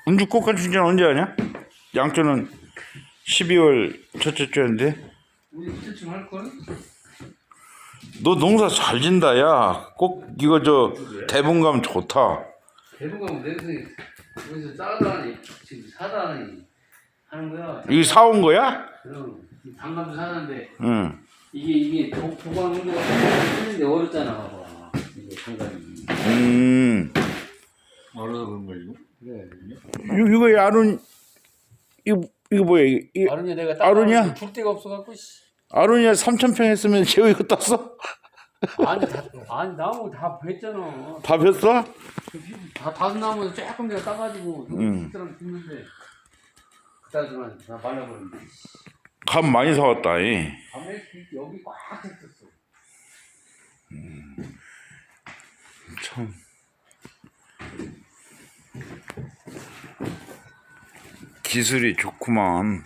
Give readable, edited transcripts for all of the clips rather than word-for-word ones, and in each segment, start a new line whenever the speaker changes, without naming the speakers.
은주 꽃감 충전 언제 하냐? 양조는 12월 첫째 주인데.
우리 그때쯤 할걸?
너 농사 잘 진다 야. 꼭 이거 저 대본 가면 좋다.
대부분 가면 여기서 싸다니 지금 사다니 하는 거야.
이거 사온 거야?
그럼 당감도 사는데
응.
이게 보관 온도가 쓰는데 어렵잖아 봐봐. 이게 당감이.
알아서 그런 거 이거?
그래.
이거 아론 이거 뭐야? 이거
아론이야 내가
아론이야?
줄 데가 없어갖고.
아론이야 3,000평 했으면 제가 이거 땄어?
아니 나무 다 뱄잖아.
다 폈어?
다 다섯 나무에서 조금 내가 따가지고 그 사람 죽는데 그따지만 다 말라버렸는데.
감 많이 사왔다. 이.
밤에 여기 꽉 찼었어.
참. 기술이 좋구만.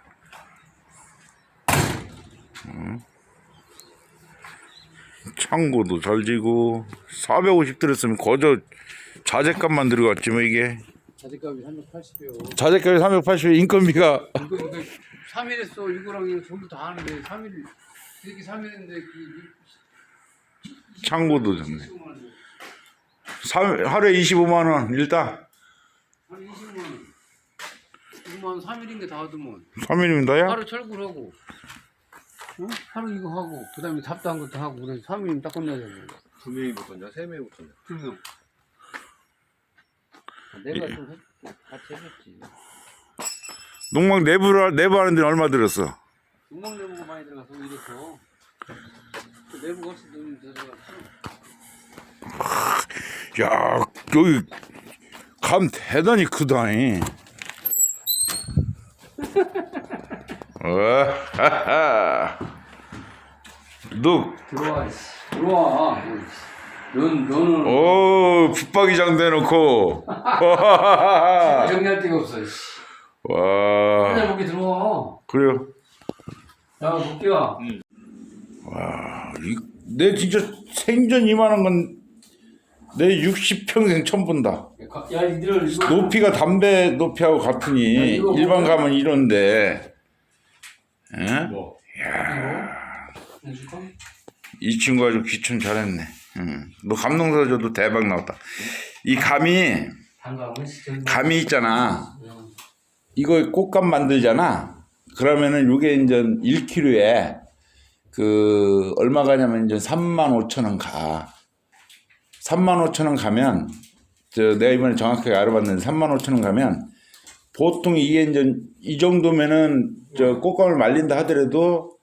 창고도 잘 지고 450 들었으면 거저 자재값만 들어갔지 뭐 이게.
자재값이 380이요.
자재값이 380 인건비가
이거 3일 했어. 이거랑 이거 전부 다 하는데 3일 이렇게 3일인데
창고도 좋네. 하루에 25만 원 일단.
한 20만 원. 20만 원 3일인데 다 하더만.
3일이면 다야?
하루 철구하고. 어? 하루 이거 하고 그다음에 답도 한 것도 하고 그래서 3일이면 딱 끝나잖아.
2명이 붙었냐? 3명이 붙었냐?
2명. 내가 좀 같이 해줬지.
농막 내부 하는 데는 얼마 들었어?
농막 내부가 많이 들어가서 이래서 그 내부가 훨씬 좀 들어갔어.
야 여기 감 대단히 크다니. 너
들어와. 들어와. 너는
오 붙박이장 대놓고
정리할 데가 없어.
와
하나 볼게 들어와.
그래요.
야 볼게요.
내 진짜 생전 이만한 건 내 60평생 처음 본다.
야 이들 이거
높이가 담배 높이하고 같으니
이거
일반
뭐야?
가면 이런데. 에?
뭐?
이 친구가 좀 귀촌 잘했네. 너 감농사 줘도 대박 나왔다. 이 감이 있잖아. 이거 꽃감 만들잖아. 그러면은 요게 이제 1kg에 그 얼마 가냐면 이제 35,000원 가. 35,000원 가면 내가 이번에 정확하게 알아봤는데 35,000원 가면 보통 이게 이제 이 정도면은 꽃감을 말린다 하더라도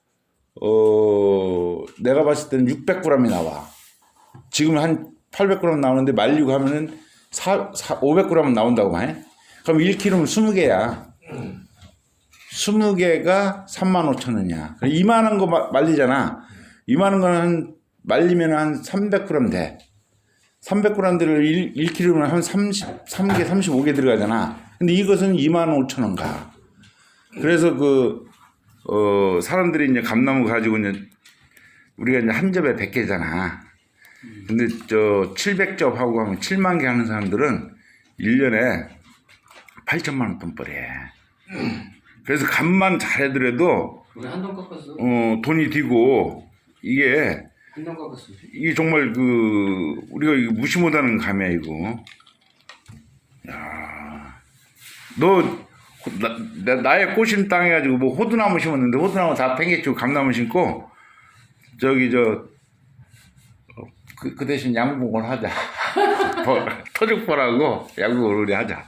내가 봤을 때는 600g이 나와. 지금 한 800g 나오는데 말리고 하면은 500g은 나온다고 말. 그럼 1kg면 20개야. 20개가 35,000원이야. 이만한 거 말리잖아. 이만한 거는 말리면 한 300g 돼. 300g들을 1kg면 한 33개, 35개 들어가잖아. 근데 이것은 25,000원 가. 그래서 사람들이 이제 감나무 가지고 이제 우리가 이제 한 접에 100개잖아. 근데 700접 하고 하면 7만 개 하는 사람들은 1년에 8천만 원 돈벌이해. 그래서 감만 잘해더라도
우리 한동 깎았어.
돈이 들고 이게
한동 깎았어.
이게 정말 우리가 이거 무시 못하는 감이야 이거. 야, 나의 꽃인 땅 해가지고 뭐 호두나무 심었는데 호두나무 다 팽개치고 감나무 심고 그 대신 양복을 하자. 토죽벌하고 양복을 우리 하자.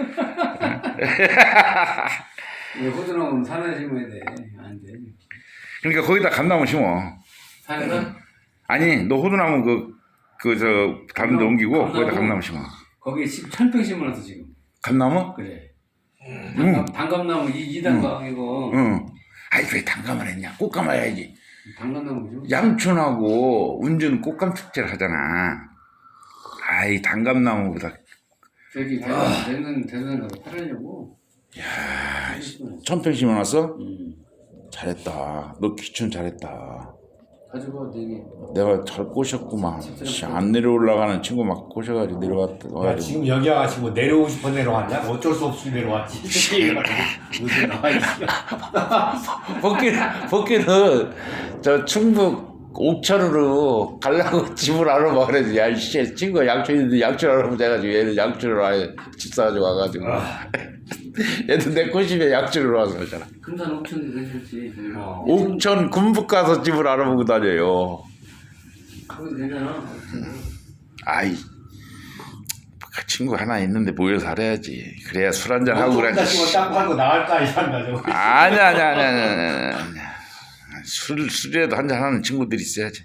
호두나무는 산에 심어야 돼. 안 돼.
그러니까 거기다 감나무 심어.
산에서?
아니 너 호두나무 다른 데 옮기고 거기다 감나무 심어.
거기에 1,000평 심어놨어 지금.
감나무?
그래.
응.
단감나무 2단감 이거.
응. 아이 왜 단감을 했냐? 꽃감 해야지.
단감나무죠.
양촌하고 운주는 꽃감 축제를 하잖아. 아이 단감나무보다.
저기 대선 가서 팔으려고.
야, 1,000평 심어놨어?
응.
잘했다. 너 귀촌 잘했다.
가지고 되게
내가 잘 꼬셨구만. 씨, 안 내려올라가는 친구 막 꼬셔가지고 내려갔다.
야,
와가지고.
지금 여기 와가지고 뭐 내려오고 싶어 내려왔냐? 어쩔 수 없이 내려왔지. 무슨 나와 있어.
복귀는 저 충북 옥천으로 가려고 집을 알아봐 그래서 야 씨 친구가 양촌인데 양촌 알아보자 해가지고 얘는 양촌으로 아예 집 사가지고 와가지고 얘도 내 꼬집에 양촌으로 와서 그러잖아.
금산 옥천도 괜찮지.
옥천 군북 가서 집을 알아보고 다녀요.
그거 되잖아.
아이 그 친구 하나 있는데 모여 살아야지. 그래야 술 한잔 하고 그래.
땅 팔고 나갈 거 아니야, 저거.
아니야. 술이라도 한잔 하는 친구들이 있어야지.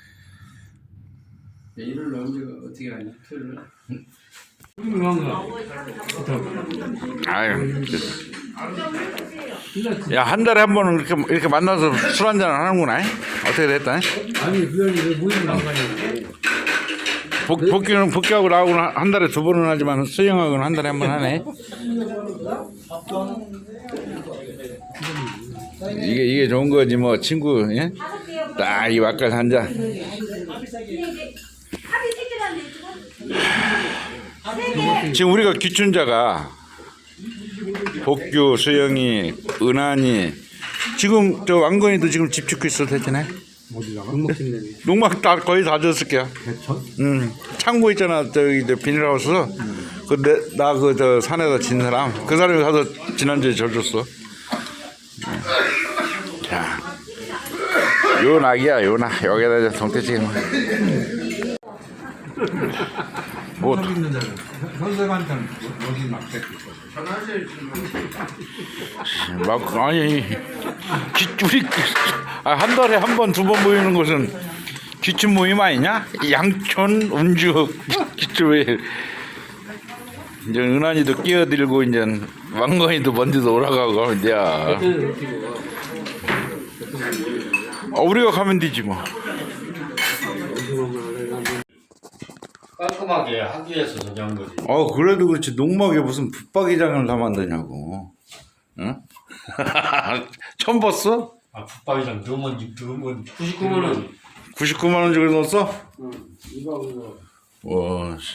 일요일 언제가 어떻게 하냐? 토요일 날?
아유. 야, 한 달에 한 번은 이렇게 만나서 술 한잔 하는구나. 어떻게 됐다?
아니 그게 왜 모임을 안 가냐고.
복귀하고 나오고는 한 달에 두 번은 하지만 수영하고는 한 달에 한 번 하네. 이게 좋은 거지 뭐 친구. 예? 딱 이 와까지 한 잔. 지금 우리가 귀춘자가 복규, 수영이, 은한이 지금 저 왕건이도 지금 집 짓고 있어 대체네. 농막 다 거의 다 졌을게요. 창고 있잖아 저기 저 비닐하우스. 나 그 저 산에다 진 사람 그 사람이 가서 지난주에 져줬어. 자, 요 낙이야 요 낙. 여기다 이제 동태찌개 뭐
선생한테는 어디 막대
막 아니 우리 한 달에 한 번 두 번 모이는 것은 귀춘 모임 아니냐? 양촌 운주 귀춘에 이제 은한이도 끼어들고 이제 왕건이도 먼저도 오라가고 하면 돼. 우리가 가면 되지 뭐.
깔끔하게 하기 위해서 저기 한 거지.
그래도 그렇지 농막에 무슨 붙박이장을 다 만드냐고. 응? 처음 봤어?
붙박이장 넣으면
99만 원.
99만 원 주고 넣었어?
응. 이거.
와. 씨.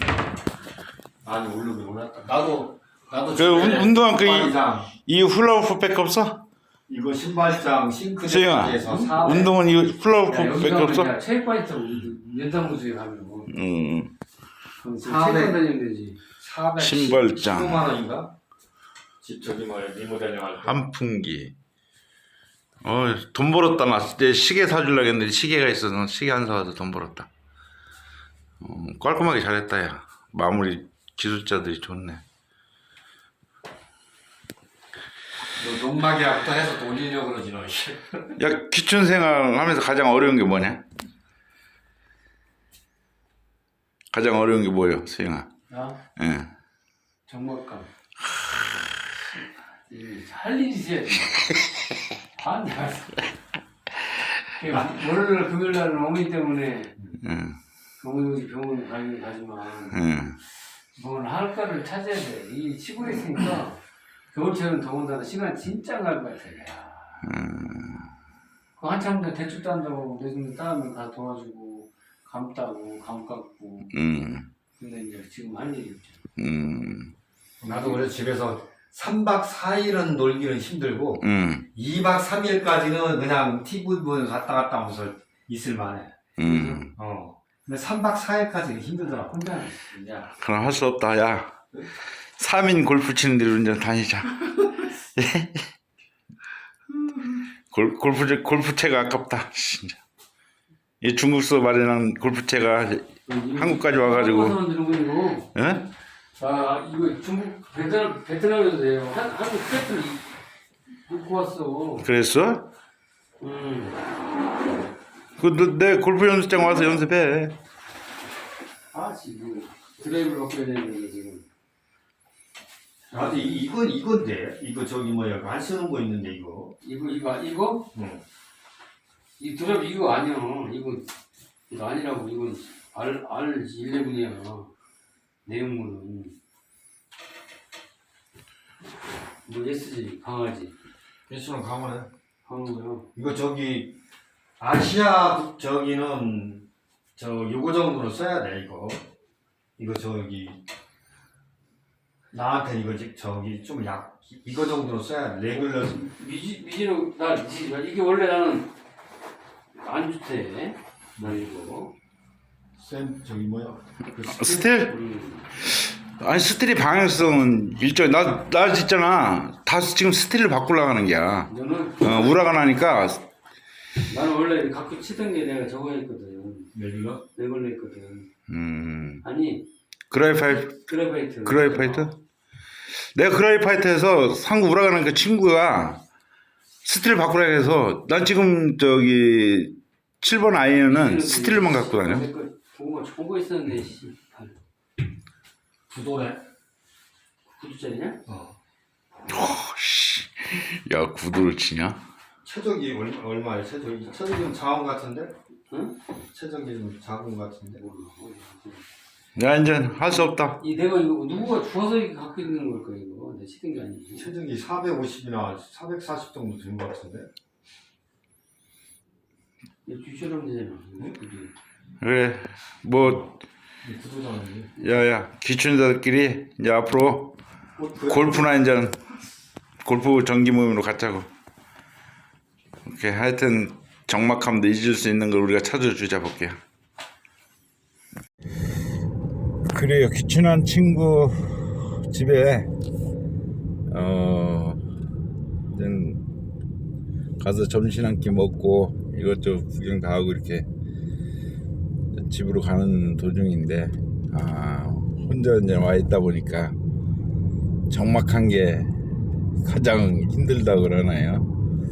아니 오르긴 올랐다. 나도
그 운동화
붙박이장.
이 훌라후프백 없어?
이거 신발장
수영아,
싱크대에서 400.
운동은 이 훌라후프백 없어?
체육관에서 연장구주에 가면 그럼 지금
400.
체육관 다니면 되지.
400
신발장.
15만 원인가? 집 저기 뭐야 리모델링 할 때.
한풍기. 돈 벌었다. 나 이제 시계 사주려고 했는데 시계가 있어서 시계 안 사와서 돈 벌었다. 깔끔하게 잘했다 야. 마무리 기술자들이 좋네.
너 농막이야부터 해서 돌리려고 그러지 너.
야, 귀춘 생활 하면서 가장 어려운 게 뭐냐? 가장 어려운 게 뭐예요, 수영아?
나
예.
정막감. 할 일이 있어야 돼. 반대. 월요일 금요일 날은 어머니 때문에 어머니 병원 가긴 가지만 뭘 할까를 찾아야 돼. 이 시골에 있으니까 겨울철은 더군다나 시간 진짜 갈 것 같아. 그 한참 더 대출 딴다고 내주면 따면 다 도와주고 감 따고 감 깎고 근데 이제 지금 할 일이 없죠.
나도 그래 집에서 3박 4일은 놀기는 힘들고 2박 3일까지는 그냥 TV 보면서 갔다 하면서 있을 만해. 근데 3박 4일까지는 힘들더라.
혼자 이제
그럼 할 수 없다, 야. 3인 골프 치는 데로 이제 다니자. 골프채가 아깝다, 진짜. 이 중국서 마련한 골프채가 한국까지 와가지고. 예?
아 이거 중국 베트남에도 돼요. 한국 세트를 놓고 왔어.
그랬어? 내 골프 연습장 와서 연습해.
아 지금 드라이브를 바꿔야 되는데 지금.
나도 이건데 이거 저기 뭐야 안 쓰는 거 있는데 이거.
이거?
응.
이 드랍 이거 아니야. 이거 아니라고. 이건 R11이야. 내용물은 뭐 SG 강아지
예수는 강화네.
강한 거요.
이거 저기 아시아 저기는 요거 정도로 써야 돼 이거 저기 나한테 이거 저기 좀 이거 정도로 써야 돼 레귤러.
미지로 이게 원래 나는 안 좋대. 나 이거.
저기 뭐야
스틸? 아니 스틸이 방향성은 일정. 나 있잖아. 다 지금 스틸을 바꾸려고 하는 게야.
너는
우라가 나니까.
나는 원래 갖고 치던 게 내가 저거 했거든.
레귤러?
내걸로 했거든. 아니
그라이파이트?
그래파이트.
내가 그라이파이트에서 상구 우라가 나니까 친구가 스틸을 바꾸라 해서 난 지금 저기 7번 아이언은 스틸만 갖고 다녀.
보고 좋은 거 있었는데 씨.
구도네.
9두짜리냐?
씨. 야 구도를 치냐?
최적이 얼마야? 최적이는 자원 같은데?
응?
최적이 자원 같은데?
야 이제 할 수 없다.
내가 이거 누구가 주워서 이렇게 갖고 있는 걸까 이거 내 치던 게 아니지.
최적이 450이나 440 정도 된 것 같은데?
주처럼 되잖아.
그래 뭐
구도장이.
야야 기춘자들끼리 이제 앞으로 골프나 이제 골프 정기 모임으로 갖자고. 오케이 하여튼 적막함도 잊을 수 있는 걸 우리가 찾아주자 볼게요. 그래요. 귀춘한 친구 집에 가서 점심 한 끼 먹고 이것저것 구경 다 하고 이렇게 집으로 가는 도중인데 혼자 이제 와 있다 보니까 적막한 게 가장 힘들다 그러나요?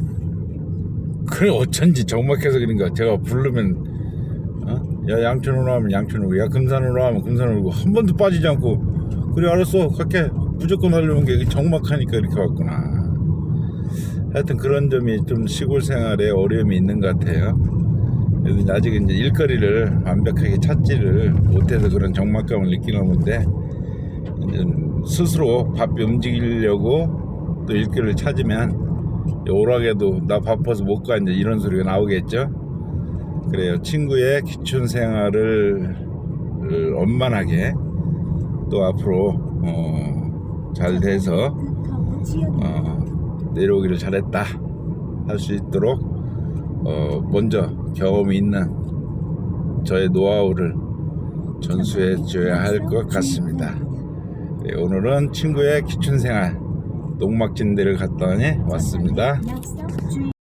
그래 어쩐지 적막해서 그런가. 제가 부르면 야 양천으로 하면 양천으로, 야 금산으로 하면 금산으로 한 번도 빠지지 않고 그래 알았어 갈게 무조건 하려는 게 적막하니까 이렇게 왔구나. 하여튼 그런 점이 좀 시골 생활에 어려움이 있는 것 같아요. 그래서 아직 이제 일거리를 완벽하게 찾지를 못해서 그런 적막감을 느끼는 건데 이제 스스로 바삐 움직이려고 또 일거리를 찾으면 오락에도 나 바빠서 못 가 이제 이런 소리가 나오겠죠. 그래요. 친구의 귀춘 생활을 원만하게 또 앞으로 잘 돼서 내려오기를 잘했다 할 수 있도록 먼저 경험이 있는 저의 노하우를 전수해 줘야 할 것 같습니다. 네, 오늘은 친구의 귀춘 생활 농막진대를 갔다 왔습니다.